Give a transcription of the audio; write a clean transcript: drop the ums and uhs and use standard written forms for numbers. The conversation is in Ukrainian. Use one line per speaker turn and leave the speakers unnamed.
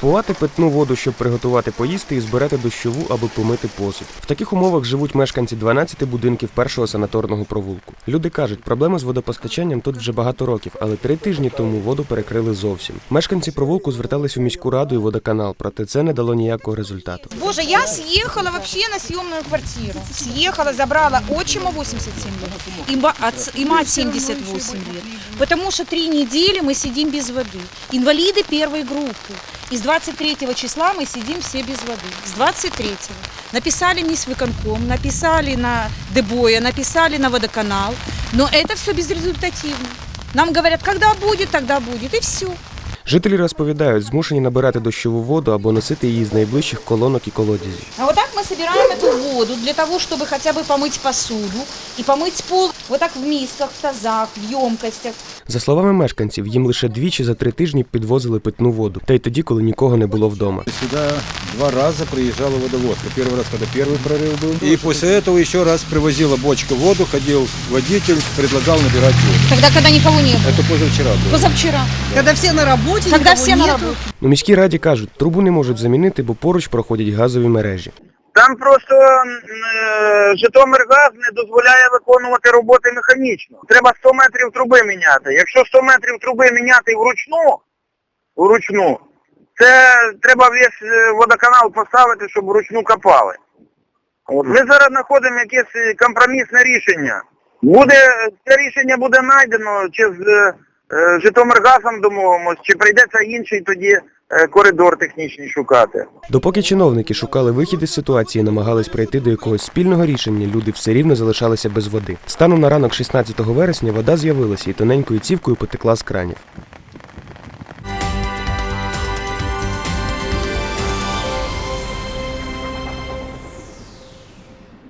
Купувати питну воду, щоб приготувати поїсти, і збирати дощову, аби помити посуд. В таких умовах живуть мешканці 12 будинків першого санаторного провулку. Люди кажуть, проблеми з водопостачанням тут вже багато років, але 3 тижні тому воду перекрили зовсім. Мешканці провулку звертались у міську раду і водоканал, проте це не дало ніякого результату.
Боже, я съехала вообще на съемную квартиру. Съехала, забрала отчима 87 лет и мать 78 лет. Потому что 3 недели мы сидим без воды. Инвалиды первой группы. И с 23 числа мы сидим все без воды. С 23-го. Написали мне с выконком, написали на ДБОЯ, написали на водоканал. Но это все безрезультативно. Нам говорят, когда будет, тогда будет. И все.
Жителі розповідають, змушені набирати дощову воду або носити її з найближчих колонок і колодязів.
А вот так мы собираем эту воду для того, чтобы хотя бы помыть посуду и помыть пол. Вот так в мисках, в тазах, в емкостях.
За словами мешканців, їм лише двічі за 3 тижні підвозили питну воду. Та й тоді, коли нікого не було вдома.
Сюда 2 раза приезжала водовозка. Первый раз, когда первый прорыв был. И после этого еще раз привозила бочка воду, ходил водитель, предлагал набирать воду.
Когда никого не было.
Это позавчера было.
Позавчера.
Когда все на работе,
Когда
никого
все на
нету.
работе.
У міській раді кажуть, трубу не можуть замінити, бо поруч проходять газові мережі.
Там просто Житомиргаз не дозволяє виконувати роботи механічно. Треба 100 метрів труби міняти. Якщо 100 метрів труби міняти вручну, це треба весь водоканал поставити, щоб вручну копали. От. Ми зараз знаходимо якесь компромісне рішення. Це рішення буде знайдено, чи з Житомиргазом домовимось, чи прийдеться інший тоді коридор технічний шукати.
Допоки чиновники шукали вихід із ситуації, намагались прийти до якогось спільного рішення, люди все рівно залишалися без води. Станом на ранок 16 вересня вода з'явилася і тоненькою цівкою потекла з кранів.